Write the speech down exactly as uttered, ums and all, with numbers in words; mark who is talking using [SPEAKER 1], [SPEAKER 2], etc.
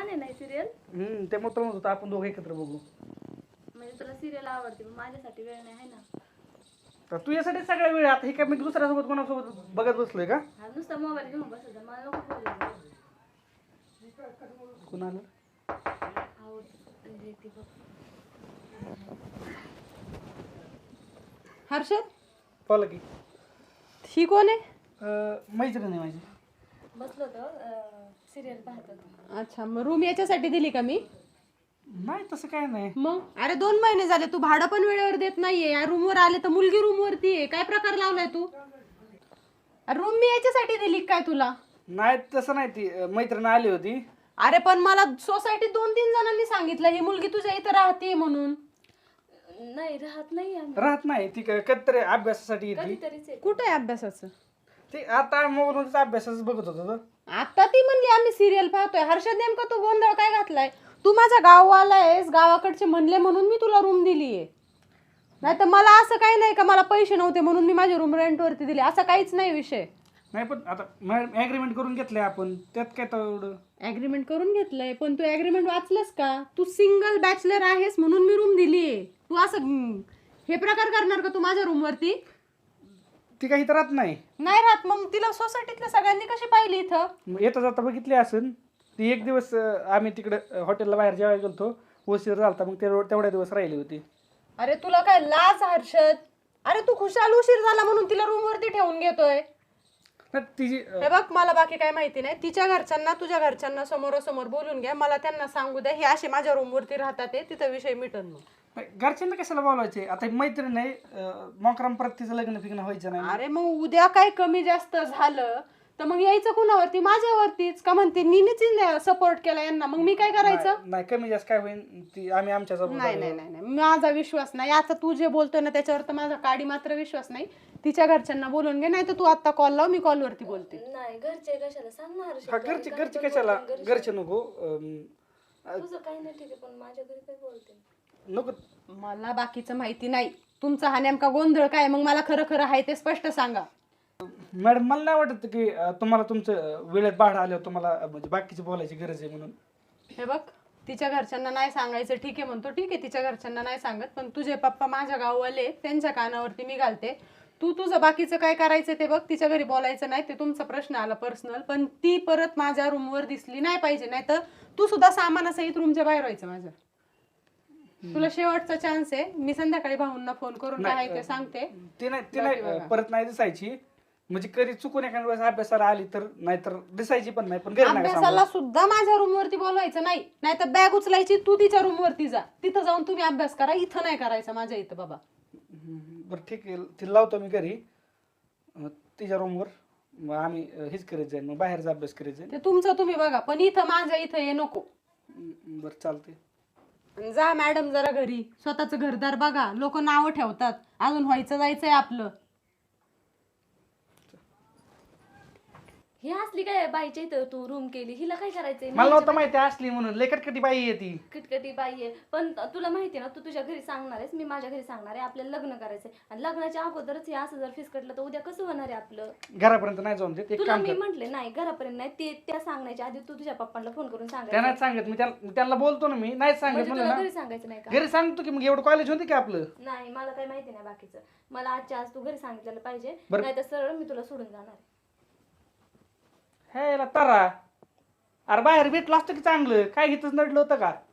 [SPEAKER 1] आहे ना सिरियल.
[SPEAKER 2] हम्म त्यामुळे तर म्हणत होतो आपण दोघं एकत्र बघू.
[SPEAKER 1] म्हणजे तुला सिरियल आवडते पण माझ्यासाठी वेळ नाही आहे ना.
[SPEAKER 2] तर तू यासाठी सगळ्या वेळ आता हे काय मी दुसऱ्यासोबत कोणासोबत बघत बसलोय का?
[SPEAKER 1] हा नुसता मोबाईल घेऊन बसायचा मला नको बोलायचं.
[SPEAKER 2] कुणाला
[SPEAKER 1] आवडते म्हणजे ती बघ.
[SPEAKER 3] हर्षद
[SPEAKER 2] बोला की.
[SPEAKER 3] ही कोण आहे?
[SPEAKER 2] अं, मैत्रीण आहे माझी.
[SPEAKER 1] बसलो होतो सिरियल पाहत होतो.
[SPEAKER 3] अच्छा मग रूम याच्यासाठी दिली का मी?
[SPEAKER 2] नाही तसं काय नाही.
[SPEAKER 3] मग अरे दोन महिने झाले तू भाडं पण वेळेवर देत नाहीये. या रूमवर आले तर मुलगी रूमवरती आहे. काय प्रकार लावलाय तू? रूम मी याच्यासाठी दिली काय तुला?
[SPEAKER 2] नाही तसं नाही ती अं, मैत्रीण आली होती.
[SPEAKER 3] अरे पण मला सोसायटीत दोन तीन जणांनी सांगितलं ही मुलगी तुझ्या इथं राहते म्हणून.
[SPEAKER 1] नाही राहत नाही आम्ही.
[SPEAKER 2] राहत नाही ती क- कधीतरी अभ्यासासाठी येते.
[SPEAKER 1] कधीतरीच येते.
[SPEAKER 3] कुठं आहे अभ्यासाचं?
[SPEAKER 2] ती आता मोबाईलवरच अभ्यासाच बघत होतो तो.
[SPEAKER 3] आता ती म्हणली आम्ही सिरियल पाहतोय. हर्षद नेमका तू गोंधळ काय घातलाय? तू माझ्या गाववाला आहेस, गावाकडचे म्हणले म्हणून मी तुला रूम दिलीये. नाही तर मला असं काही नाही का मला पैसे नव्हते म्हणून मी माझी रूम रेंटवरती दिली, असं काहीच नाही विषय.
[SPEAKER 2] नाही पण आता ऍग्रीमेंट करून घेतलंय आपण त्यात काय तेवढं.
[SPEAKER 3] ऍग्रीमेंट करून घेतलंय पण तू ऍग्रीमेंट वाचलंस का? तू सिंगल बॅचलर आहेस म्हणून मी रूम दिलीये. तू असं हम्म, हे प्रकार करणार का तू माझ्या रूमवरती?
[SPEAKER 2] ती काही तर राहत नाही.
[SPEAKER 3] नाही राहत मग तिला सोसायटीतल्या सगळ्यांनी कशी पाहिली इथं?
[SPEAKER 2] मग येता जाता बघितली असेल ती. एक दिवस अं, आम्ही तिकडे हॉटेलला बाहेर जेवायला गेलतो, उशीर झालता मग ते तेवढ्या दिवस राहिली होती.
[SPEAKER 3] अरे तुला काय लाज हर्षद? अरे तू खुशाल उशीर झाला म्हणून तिला रूमवरती ठेवून घेतोय.
[SPEAKER 2] नाही, तिची अं,
[SPEAKER 3] हे बघ मला बाकी काय माहिती नाही. तिच्या घरच्यांना तुझ्या घरच्यांना समोरासमोर बोलून घ्या. मला त्यांना सांगू द्या हे असे माझ्या रूमवरती राहतात ते तिथं विषय मिटन मग.
[SPEAKER 2] घरच्यांना कशाला बोलायचे? आता ही मैत्रीण नाही मोकराम परत तिचं लग्न फिग्न व्हायचं नाही.
[SPEAKER 3] अरे मग उद्या काय कमी जास्त झालं तर मग यायचं कुणावरती? माझ्यावरतीच का म्हणते नीनेच सपोर्ट केला यांना, मग मी काय करायचं?
[SPEAKER 2] नाही नाही, कमी जास्त काय होईल ती आम्ही आमच्या
[SPEAKER 3] नाही नाही नाही नाही. माझा विश्वास नाही. आता तू जे बोलतोय ना त्याच्यावर तर माझा काडी मात्र विश्वास नाही. तिच्या घरच्यांना बोलून घे, नाही तर तू आता कॉल लाव, मी कॉलवरती बोलते.
[SPEAKER 1] नाही घरचे कशाला सांगणार.
[SPEAKER 2] हा घरचे घरचे कशाला? घरचे नको अं,
[SPEAKER 1] तुझं काही नाही ठीक आहे पण माझ्या घरी काय बोलते
[SPEAKER 2] नको.
[SPEAKER 3] मला बाकीचं माहिती नाही. तुमचा हा नेमका गोंधळ काय मग मला खरं खरं आहे ते स्पष्ट सांगा.
[SPEAKER 2] मॅडम मला नाही वाटत की अं, तुम्हाला तुमचं अं, वेळेत भाडं आल्यावर तुम्हाला अं, म्हणजे बाकीची बोलायची गरज आहे म्हणून.
[SPEAKER 3] हे बघ तिच्या घरच्यांना नाही सांगायचं ठीक आहे म्हणतो, ठीक आहे तिच्या घरच्यांना नाही सांगत, पण तुझे पप्पा माझ्या गाववाले त्यांच्या कानावरती मी घालते. तू तुझं बाकीचं काय करायचं ते बघ. तिच्या घरी बोलायचं नाही, ते तुमचा प्रश्न आला पर्सनल, पण ती परत माझ्या रूमवर दिसली नाही पाहिजे. नाही तर तू सुद्धा सामानासहित रूमच्या बाहेर व्हायचं माझ्या. तुला शेवटचा चान्स आहे. मी संध्याकाळी भाऊंना फोन करून काय आहे ते सांगते.
[SPEAKER 2] ती नाही ती नाही अं, परत नाही दिसायची. म्हणजे कधी चुकून एखाद्या वेळेस अभ्यासाला आली तर नाहीतर दिसायची पण नाही. पण घरी नाही
[SPEAKER 3] अभ्यासाला सुद्धा माझ्या रूमवरती बोलवायचं नाही. नाहीतर बॅग उचलायची तू तिच्या रूमवरती जा, तिथं जाऊन तुम्ही अभ्यास करा. इथं नाही करायचं माझ्या इथं बाबा.
[SPEAKER 2] बरं ठीक आहे, तिला लावतो मी घरी अं, तिच्या रूमवर. मग आम्ही अं, हेच करीत जाईल, मग बाहेरचा अभ्यास करीत जाईल.
[SPEAKER 3] ते तुमचं तुम्ही बघा, पण इथं माझ्या इथं ये नको.
[SPEAKER 2] हम्म, बरं चालते.
[SPEAKER 3] जा मॅडम जरा घरी, स्वतःच घरदार बघा. लोक नावं ठेवतात, अजून व्हायचं जायचंय आपलं.
[SPEAKER 1] ही असली काय बाईच्या इथं तू रूम केली, हिला काय करायचंय?
[SPEAKER 2] मला नव्हतं माहिती असली म्हणून. लय कटकटी बाई आहे ती.
[SPEAKER 1] किटकटी बाई आहे. पण तुला माहिती आहे ना तू तुझ्या घरी सांगणार आहेस, मी माझ्या घरी सांगणार आहे. आपल्याला लग्न करायचंय आणि लग्नाच्या अगोदरच हे असं जर फिसकटलं तर उद्या कसं होणार आहे आपलं?
[SPEAKER 2] घरापर्यंत नाही जाऊन देत. एक
[SPEAKER 1] तुला
[SPEAKER 2] काम
[SPEAKER 1] मी
[SPEAKER 2] कर.
[SPEAKER 1] म्हंटले नाही घरापर्यंत नाही, ते त्या सांगण्याच्या आधी तू तुझ्या पप्पांना फोन करून
[SPEAKER 2] त्या
[SPEAKER 1] सांगायचं.
[SPEAKER 2] नाही सांगत मी, त्याला त्यांना बोलतो ना मी. नाही सांगत
[SPEAKER 1] म्हणजे
[SPEAKER 2] म्हणलं
[SPEAKER 1] तुला
[SPEAKER 2] ना.
[SPEAKER 1] घरी सांगायचं नाही का?
[SPEAKER 2] घरी सांगतो की मग एवढं कॉलेज होते की आपलं.
[SPEAKER 1] नाही मला काही माहिती नाही बाकीचं. मला आजच्या आज तू घरी सांगितलेलं पाहिजे,
[SPEAKER 2] बरं.
[SPEAKER 1] नाही तर सरळ मी तुला सोडून जाणार.
[SPEAKER 2] हे तारा, अरे बाहेर भेटलं असतं की चांगलं. काय घेतच नडलं होतं का?